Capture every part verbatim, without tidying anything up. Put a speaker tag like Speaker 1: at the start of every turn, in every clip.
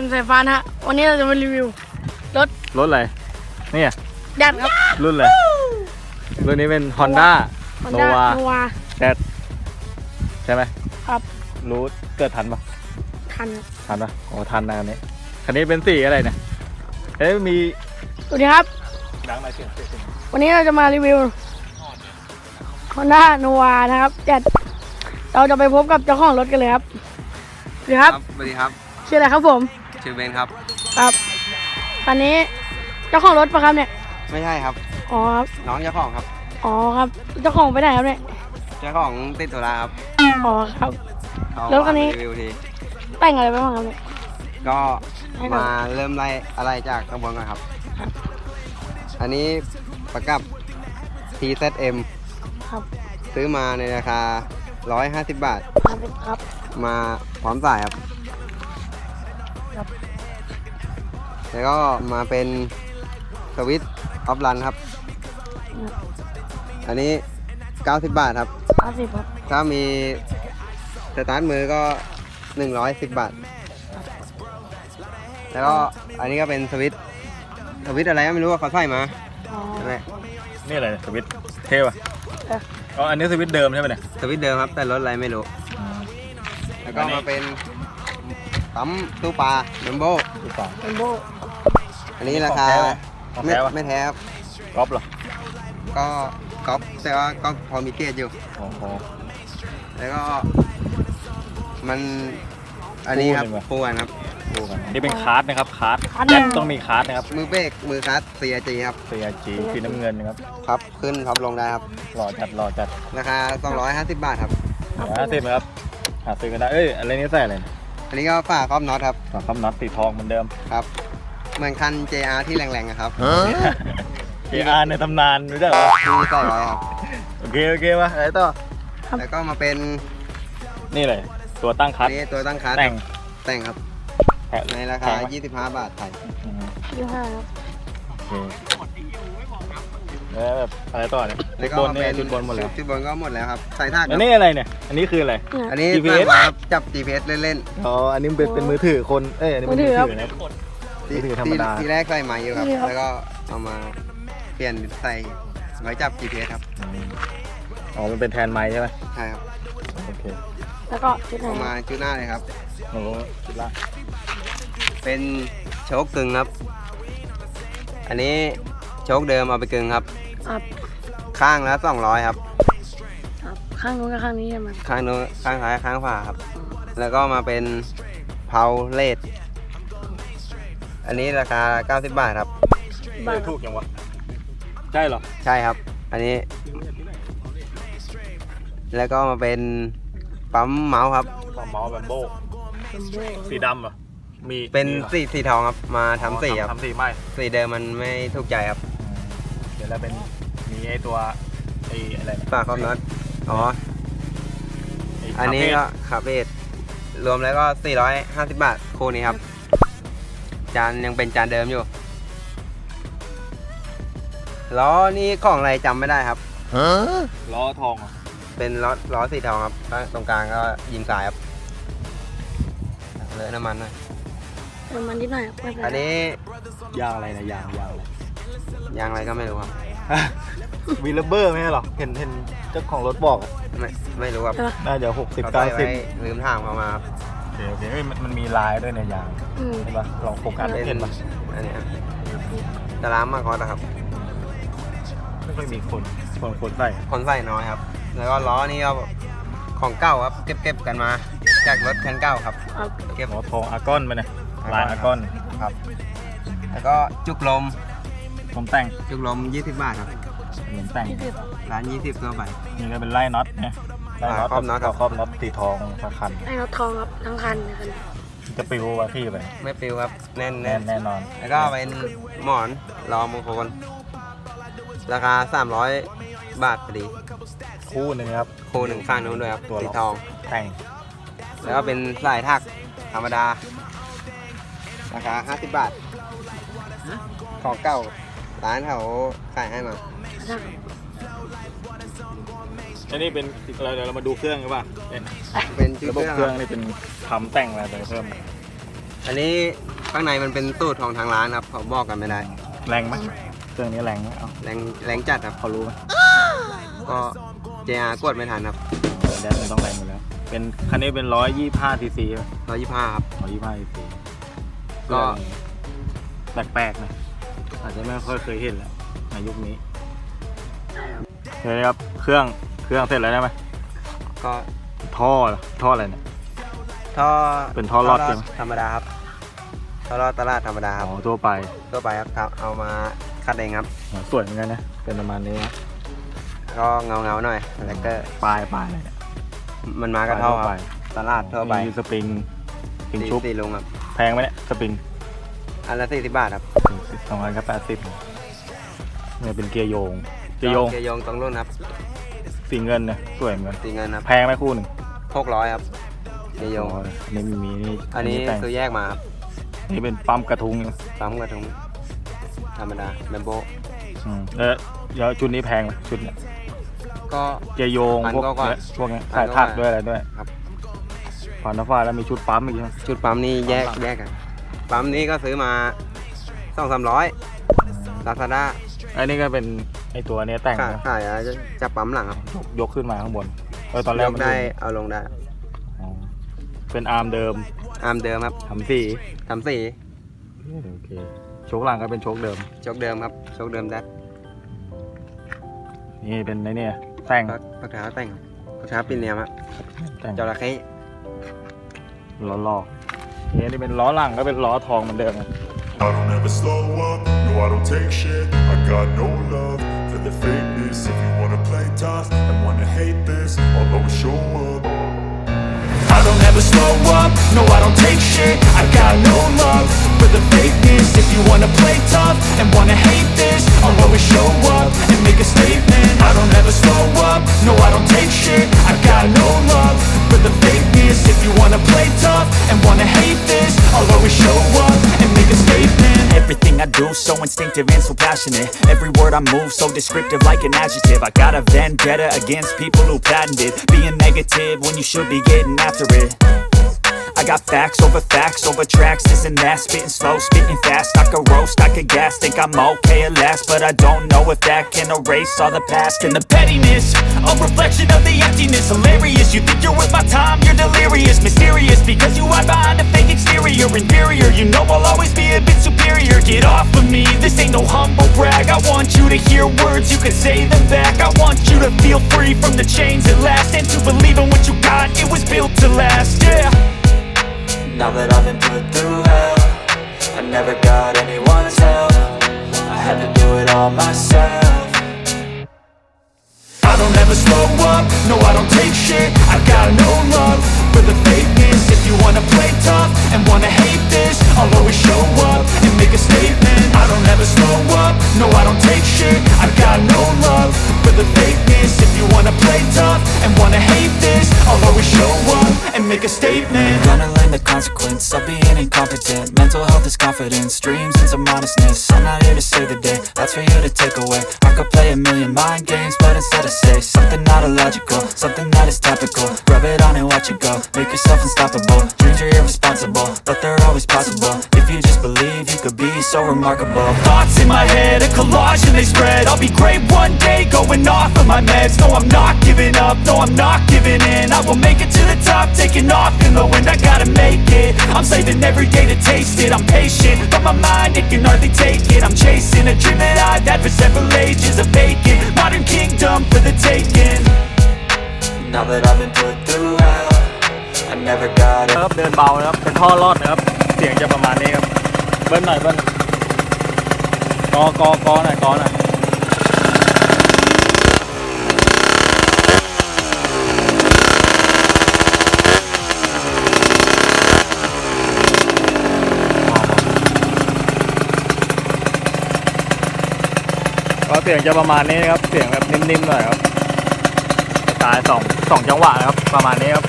Speaker 1: สายฟ้านะฮะวันนี้เราจะมารีวิวรถ
Speaker 2: รถอะไรนี่
Speaker 1: แดดครับ
Speaker 2: รุ่นอะไรรุ่นนี้เป็น Honda Nova แดดใช่ไหม
Speaker 1: ครับ
Speaker 2: รู้เกิดทันปะ
Speaker 1: ทัน
Speaker 2: ทันปะโอ้ทันนะคันนี้คันนี้เป็นสีอะไรเนี่ยเอ้ยมี
Speaker 1: สวัสดีครับ
Speaker 2: ดังไหมเสียง
Speaker 1: วันนี้เราจะมารีวิว Honda Nova นะครับแดดเราจะไปพบกับเจ้าของรถกันเลยครับสวัสดีครับ
Speaker 3: สวัสดีครับ
Speaker 1: ชื่ออะไรครับผม
Speaker 3: ชื่อเบนครับ
Speaker 1: ครับคันนี้เจ้าของรถปะครับเนี่ย
Speaker 3: ไม่ใช่ครับ
Speaker 1: อ๋อครับ
Speaker 3: น้องเจ้าของครับ
Speaker 1: อ๋อครับเจ้าของไปไหนครับเนี่ย
Speaker 3: เจ้าของติดธุระครับ
Speaker 1: อ๋อครับรถคันนี้
Speaker 3: รีวิวที
Speaker 1: แต่งอะไรไปบ้างครับเนี่ย
Speaker 3: ก็มาเริ่มไล่อะไรจากข้างบนก่อนครับอันนี้ประกับ ที แซด เอ็ม
Speaker 1: ครับ
Speaker 3: ซื้อมาในราคาหนึ่งร้อยห้าสิบบาท
Speaker 1: ครับ
Speaker 3: มาพร้อมสายครับแล้วก็มาเป็นสวิตช์ออฟรันครับอันนี้เก้าสิบบาทครับ
Speaker 1: เก้าสิบครับ
Speaker 3: ถ้ามีสตาร์ทมือก็หนึ่งร้อยสิบบาทแล้วก็อันนี้ก็เป็นสวิตช์สวิตช์อะไรก็ไม่รู้ว่าเขาใส่มา
Speaker 2: นี่อะไรสวิตช์เท่ป่ะอ๋ออันนี้สวิตช์เดิมใช่ไหมเนี่ย
Speaker 3: สวิตช์เดิมครับแต่รถอะไรไม่รู้แล้วก็มาเป็นปั๊มตู้ปลาเบมโบ
Speaker 2: ตู้ปลา
Speaker 1: เบมโบ
Speaker 3: อันนี้ราคาไม่ไม่แท้ครับ
Speaker 2: ก๊อปเหรอ
Speaker 3: ก็ก๊อปแต่ว่าก็พอมีเกรดอยู่
Speaker 2: โอ้โห
Speaker 3: แล้วก็มันอันนี้ครับปูกันครับ
Speaker 2: ปูกันนี่เป็นคาร์ดนะครับคาร์ดแจ็คต้องมีคาร์ดนะครับ
Speaker 3: มือเบรกมือคาร์ด ซี อาร์ จี ครับ
Speaker 2: ซี อาร์ จี สีน้ำเงินนะครับ
Speaker 3: ครับขึ้นพับลงได้ครับ
Speaker 2: หล่อจัดหล่อจัด
Speaker 3: ราคาสองร้อยห้าสิบบาทครับ
Speaker 2: ห้าสิบครับหาซื้อกันได้เอ้ยอะไรนี้ใส่อะไร
Speaker 3: อันนี้ก็ฝาครอบน็อตครับ
Speaker 2: ฝาครอบน็อตสีทองเหมือนเดิม
Speaker 3: ครับเหมือนคัน เจ อาร์ ที่แรงๆครับ
Speaker 2: เจ อาร์ ในตำนานรู้จักไหม
Speaker 3: ที่ใส่ไว้ครับ
Speaker 2: โอเคโอเคมาอะไรต่อ
Speaker 3: แล้วก็มาเป็น
Speaker 2: นี่เลยตัวตั้งคัส
Speaker 3: นี่ตัวตั้งคัส
Speaker 2: แต่ง
Speaker 3: แต่งครับในราคายี่สิบห้าบาทไทย
Speaker 1: ยี่สิบห้าครับ
Speaker 2: โอเคแล้วแบบอะไรต่อเนี่ยชุดบนเนี่ยชุดบนหมดแล้ว
Speaker 3: ชุดบนก็หมดแล้วครับใส่ท่า
Speaker 2: อันนี้อะไรเนี่ยอันนี้คืออะไร
Speaker 3: อันนี้ จี พี เอส ครับจับ จี พี เอส เล่น
Speaker 2: ๆอ๋ออันนี้เป็นเป็นมือถือคนเอ้ยอันนี้มือถือนะมือถือธรรมดา
Speaker 3: ทีแรกใส่ใหม่อยู่ครับแล้วก็เอามาเปลี่ยนใส่ไว้จับ จี พี เอส ครับ
Speaker 2: อ๋อมันเป็นแทนไม้ใช่ไหม
Speaker 3: ใช่ครับ
Speaker 1: โอเคแล้วก็ชุดไหน
Speaker 3: มาชุดหน้าเลยครับ
Speaker 2: โอ้ชุดละ
Speaker 3: เป็นโชคกึ่งครับอันนี้โชคเดิมเอาไปกึ่งครับ
Speaker 1: ครับ
Speaker 3: ข้างละสองร้อยครับ
Speaker 1: ครับข้างนู้นกับข้างนี้ใช่ไหม
Speaker 3: ข้างนู้นข้างซ้ายข้างขวาครับแล้วก็มาเป็นเพาเลดอันนี้ราคาเก้าสิบบาทครับ
Speaker 2: ถูกยังวะใช่เหรอ
Speaker 3: ใช่ครับอันนี้แล้วก็มาเป็นปั๊มเมาส์ครับ
Speaker 2: ปั๊มเมาส์แบมโบสีดำเหรอมี
Speaker 3: เป็นสีสีทองครับมาทำสีครับ
Speaker 2: ทำสีไม่
Speaker 3: สีเดิมมันไม่ถูกใจครับ
Speaker 2: เดี๋ยวเราเป็นมีไอตัวไออะไร
Speaker 3: ฝาครอบน็อตอ๋ออันนี้ก็คาเฟ่รวมแล้วก็สี่ร้อยห้าสิบบาทคู่นี้ครับจานยังเป็นจานเดิมอยู่ล้อนี่ของอะไรจำไม่ได้ครับ
Speaker 2: ล้อทอง
Speaker 3: เป็นล้อล้อสีทองครับตรงกลางก็ยิงสายครับเลอะน้ำมันหน่อย
Speaker 1: น้ำมันนิดหน่อย
Speaker 3: อันนี้
Speaker 2: ยางอะไรนะยางยาง
Speaker 3: ยางอะไรก็ไม่รู้ครับ
Speaker 2: วีลเบอร์ไหมหรอเห็นเห็นเจ้าของรถบอก
Speaker 3: ไม่ไม่รู้ครับ
Speaker 2: น่าจะหกสิบเก้าสิบ
Speaker 3: ลืมถามเขามาครับ
Speaker 2: โอเคโอเคมันมันมีลายด้วยในยางใช่ปะลองโฟกัสเห็นปะ
Speaker 3: อันนี้จะล้างมากกว่านะครับ
Speaker 2: ไม่ค่อยมีคนคนคนใส่
Speaker 3: คนใส่น้อยครับแล้วก็ล้อนี่ก็ของเก่าครับเก็บเก็บกันมาจากรถคันเก่าครับ
Speaker 2: เก็บหัวทองอาร์กอนไปเนี่ยลายอาร์กอน
Speaker 3: ครับแล้วก็จุกลม
Speaker 2: ผมแต่ง
Speaker 3: จุกลมยี่สิบบาทครับ
Speaker 2: เหมือนแต่ง
Speaker 3: ร้านยี่สิบตัวไป
Speaker 2: นี่ก็เป็นไล่น็อตเนี่ยไล่น็อตครอบน็อตครอบน็อตตีทองทั้งคัน
Speaker 1: ไล่น็อตทองครับทั้งคัน
Speaker 2: จะปิววะพี่ไป
Speaker 3: ไม่ปิวครับแน่น
Speaker 2: แน่นแน่นอน
Speaker 3: แล้วก็เป็นหมอนรอมงคลราคาสามร้อยบาทพอดี
Speaker 2: คู่หนึ่งครับ
Speaker 3: คู่หนึ่งข้างนู้นด้วยครับ
Speaker 2: ตัว
Speaker 3: สีทอง
Speaker 2: แต่ง
Speaker 3: แล้วก็เป็นสายถักธรรมดาราคาห้าสิบบาทของเก่าร้านเขาขายให้มา
Speaker 2: อันนี้เป็นอะไรเดี๋ยวเรามาดูเครื่องกันป่ะ
Speaker 3: เป็น
Speaker 2: ระบบเครื่องนี่เป็นทำแต่งอะไรไปเพิ่ม
Speaker 3: อันนี้ข้างในมันเป็นสูตรของทางร้านครับเขาบอกกันไม่ได้
Speaker 2: แรงไหมเครื่องนี้แรงไหมเอา
Speaker 3: แรงแรงจัดครับ
Speaker 2: พอรู้ไหม
Speaker 3: ก็ เจ อาร์ กดไม่ทันครับ
Speaker 2: แดนมันต้องแรงอยู่แล้วเป็นคันนี้เป็นร้อยยี่ห้าซีซี
Speaker 3: ร้อยยี่สิบห้าครับ
Speaker 2: ร้อยยี่ห้าซีซี
Speaker 3: ก็
Speaker 2: แปลกๆนะอาจจะไม่ค่อยเคยเห็นแล้วในยุคนี้เฮ้ยครับเครื่องเครื่องเสร็จแล้วได้ไหม
Speaker 3: ก็
Speaker 2: ท่อท่ออะไรเนี่ย
Speaker 3: ท่อ
Speaker 2: เป็นท่อรอดใช่ไหม
Speaker 3: ธรรมดาครับท่อรอดตลาดธรรมดาครับ
Speaker 2: อ๋อทั่วไป
Speaker 3: ทั่วไปครับเอามาคัดเองครับ
Speaker 2: สวยเหมือนกันนะเป็นประมาณนี้นะ
Speaker 3: ก็เงาเงาๆหน่อยแล้วก็
Speaker 2: ปลายปลายอะไรเนี่ย
Speaker 3: มันมากระเท่าครับตลาดทั่วไป
Speaker 2: มีสปริงสปริง
Speaker 3: สี่
Speaker 2: ชุบ
Speaker 3: สี่ลุงครับ
Speaker 2: แพงไหมเนี่ยสปริง
Speaker 3: อันละสี่สิบบาทครับ
Speaker 2: สองพันกับแปดสิบเนี่ยเป็นเกียร์โยงเกียร์โยง
Speaker 3: เกียร์โยงตรงรุ่นครับ
Speaker 2: สีเงินเนี่ยสวยเหมือนกัน
Speaker 3: สีเงินครับ
Speaker 2: แพงไหมคู่หนึ่ง
Speaker 3: หกร้อยครับเกียร์โยง
Speaker 2: อ๋ออันนี้มีนี่
Speaker 3: อันนี้
Speaker 2: แต่ง
Speaker 3: ซื้อแยกมาครับ
Speaker 2: นี่เป็นปั๊มกระทุง
Speaker 3: ปั๊มกระทุงธรรมดาแบมโบ
Speaker 2: อืมแล้วแล้วชุดนี้แพงไหมชุดเนี่ย
Speaker 3: ก็
Speaker 2: เกียร์โยง
Speaker 3: พัน
Speaker 2: พวก
Speaker 3: กว่า
Speaker 2: เนี้ยพวกเนี้ย
Speaker 3: พั
Speaker 2: สาย
Speaker 3: นกว่า
Speaker 2: ถักด้วยอะไรด้วย
Speaker 3: ครับ
Speaker 2: ผ่านน้ำฟ้าแล้วมีชุดปั๊มอีกใช่ไหม
Speaker 3: ชุดปั๊มนี่แยกแยกกันปั๊มนี้ก็ซื้อมาสองสามร้อยลาซาด้า
Speaker 2: อันนี้ก็เป็นไอตัวเนี้ยแต่ง
Speaker 3: ขาย
Speaker 2: นะ
Speaker 3: ขายจะจะปั๊มหลังครับ
Speaker 2: ยกยกขึ้นมาข้างบนเออตอนแร
Speaker 3: ย
Speaker 2: ก
Speaker 3: ก
Speaker 2: มัน
Speaker 3: ได้
Speaker 2: อยู่
Speaker 3: เอาลงได้
Speaker 2: อ๋อเป็นอาร์มเดิม
Speaker 3: อาร์มเดิมครับ
Speaker 2: ทำสี
Speaker 3: ทำสี
Speaker 2: โอเคโชคหลังก็เป็นโชคเดิม
Speaker 3: ชกเดิมครับชกเดิมแดด
Speaker 2: นี่เป็นไอเนี่ยแต่ง
Speaker 3: พักพักเท้าแต่งพักเท้าปีนเนียมครับ
Speaker 2: แต่ง
Speaker 3: จระเข้
Speaker 2: ล้อลอกนี่นี่เป็นล้อหลังก็เป็นล้อทองเหมือนเดิมนะ
Speaker 4: I don't ever slow up, no I don't take shit. I got no love for the fakeness. If you wanna play tough and wanna hate this, I'll always show up. I don't ever slow up, no I don't take shit. I got no love for the fakeness. If you wanna play tough and wanna hate this, I'll always show up and make a statement. I don't ever slow up, no I don't take shit. I got no love for the fakeness. If you wanna play tough and wanna hate this, I'll always show up and make a statement.
Speaker 5: Everything I do so instinctive and so passionate. Every word I move so descriptive like an adjective. I got a vendetta against people who patented being negative when you should be getting after it. I got facts over facts over tracks, this and that. Spitting slow, spitting fast. I could roast, I could gas. Think I'm okay at last, but I don't know if that can erase all the past. And the pettiness, a reflection of the emptiness. Hilarious, you think you're worth my time, you're delirious. Mysterious, because you hide behind a fake exterior. Inferior, you know I'll always be a bit superior. Get off of me, this ain't no humble brag. I want you to hear words, you can say them back. I want you to feel free from the chains at last, and to believe in what you got, it was built to last, yeah. Now that I've been put through hell, I never got anyone's help. I had to do it all myself.
Speaker 4: I don't ever slow up, no I don't take shit. I got no love for the fakeness. If you wanna play tough and wanna hate this, I'll always show up and make a statement. I don't ever slow up, no I don't take shit. I got no love for the fakeness. If you wanna play tough and wanna hate this, I'll always show up and make a statement.
Speaker 5: Gonna learn the consequence of being incompetent. Mental health is confidence, dreams and some honestness. I'm not here to save the day, that's for you to take away. I could play a million mind games, but instead I say something not illogical, something that is topical. Rub it on and watch it go, make yourself unstoppable. Dreams are irresponsible, but they're always possible. If you just believe, you could be so remarkable.
Speaker 4: Thoughts in my head, a collage and they spread. I'll be great one day, going off of my meds. No, I'm not giving up, no, I'm not giving in. I will make it to the top, taking off in the wind. I gotta make it, I'm saving every day to taste it. I'm patient, but my mind, it can hardly take it. I'm chasing a dream that I've had for several ages. A vacant, modern kingdom for the taking.
Speaker 5: Now that I've been put through hell, I never got it.
Speaker 2: ครับเดินเบานะครับเป็นท่อรอดนะครับเสียงจะประมาณนี้ครับเบิ้ลหน่อยเบิ้ลกอกอกอหน่อยกอหน่อยก็เสียงจะประมาณนี้นะครับเสียงแบบนิ่มๆหน่อยครับสายสองสองจังหวะนะครับประมาณนี้ครับ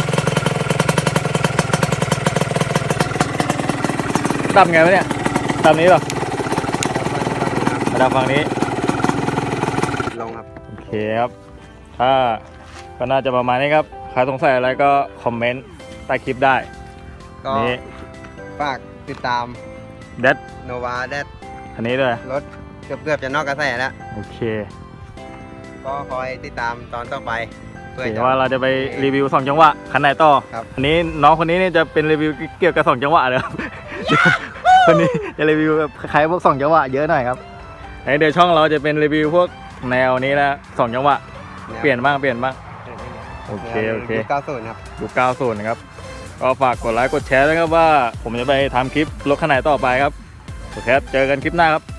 Speaker 2: ดับไงวะเนี่ยดับนี้เหรอมาดับฝั่งนี้
Speaker 3: ลงครับ
Speaker 2: โอเคครับถ้าก็น่าจะประมาณนี้ครับใครสงสัยอะไรก็คอมเมนต์ใต้คลิปได้
Speaker 3: ก็
Speaker 2: นี่
Speaker 3: ฝากติดตาม
Speaker 2: แดด
Speaker 3: โนวาแดด
Speaker 2: คันนี้ด้วย
Speaker 3: รถเกือบเกือบจะนอกกระแสแล้ว
Speaker 2: โอเค
Speaker 3: ก็คอยติดตามตอนต่อไปเพื่อ
Speaker 2: เดี๋
Speaker 3: จะ
Speaker 2: ยวว่าเราจะไปรีวิวสองจังหวะคันไหนต่อ
Speaker 3: ครับ
Speaker 2: อันนี้น้องคนนี้เนี่ยจะเป็นรีวิวเกี่ยวกับสองจังหวะเลยครับ คนนี้จะรีวิวแบบคล้ายๆพวกสองจังหวะเยอะหน่อยครับไอเดี๋ยวช่องเราจะเป็นรีวิวพวกแนวนี้นะสองจังหวะเปลี่ยนบ้างเปลี่ยนบ้างโอเคโอเค
Speaker 3: เก้าศูนย์ครับ
Speaker 2: ยุคเก้าสิบนะครับก็ฝากกดไลค์กดแชร์ด้วยครับว่าผมจะไปทำคลิปรถคันไหนต่อไปครับโอเคครับเจอกันคลิปหน้าครับ